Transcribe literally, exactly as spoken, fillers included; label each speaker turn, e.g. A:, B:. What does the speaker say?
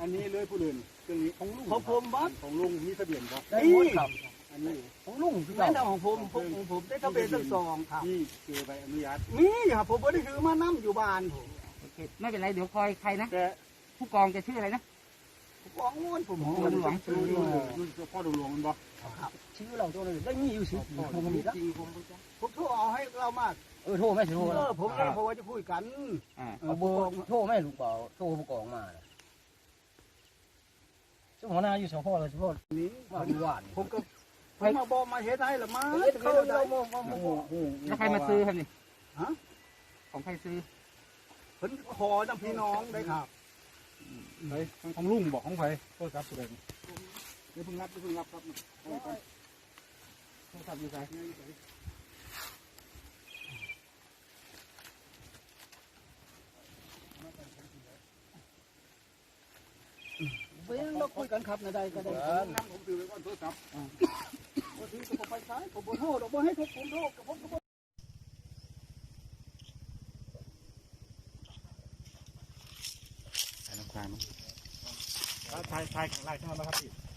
A: นนี้เลยผู้อื่นเครื่องนี้ของลุงของผมบัสของลุงมีทะเบียนครับ
B: ได้หมดครับ
A: อันนี้
B: ของลุงคือ
C: แม่
B: เก่า
C: นของผมผมของผมได้ทะเบียนทั้งสองครับ
A: นี่คือใบอนุญาต
C: มีครับผมไม่ได้ถือมานั่อยู่บ้านผม
D: โอเคไม่เป็นไรเดี๋ยวคอยใครนะ
A: แต่
D: ผู้กองจะชื่ออะไรนะ
C: ผมบอกงวนผม
A: ลุงหลวงลุงหลวงลุงพ่อลุงหลวงมันบอก
C: ครับ
B: ชื่อเราตัวนึงได้มีอยู่สิผมมีแล้ว
D: จริงผมรู้จัก
C: ผมโทรเอาให้เรามาก
B: เออโทรไม่สิโทร
C: เออผมเลยเพราะว่าจะคุยกัน
D: อ่า
B: เอาเบอร์โทรไม่ลูกเปล่าโทรผู้กองมาเจ้าหัวหน้าอยู่สพเลยเฉพาะ
C: นี้
B: ว่ามีหวาน
C: ผมก็ผมมาบอกมาเฮ็ดให้ละมา
B: เขาเราโมโม
A: โอ้
B: โม
A: โห
D: แล้วใครมาซื้อครับนี่
C: ฮะ
D: ของใครซื้อ
C: เพิ่นขอน้ำพี่น้องได้ครับ
A: ไอ้ของลุงบอกของไผโทษครับสุดเลยนี่เพิ่งรับนี่เพิ่งรับครับโอ้ย
D: โทรศัพท์อยู่ไหน
C: เว้นเราคุยกันครับในใดก็ได้
A: นั่งผมถือไว้ก่อนโทรศัพท์
C: บางทีก็ไปใช้ผมบ่โทษบ่ให้ผมโทษกับผมก็บ่
A: ถ่ายน้ำตาลถ่ายถ่ายข้างล่างใช่ไหมครับพี่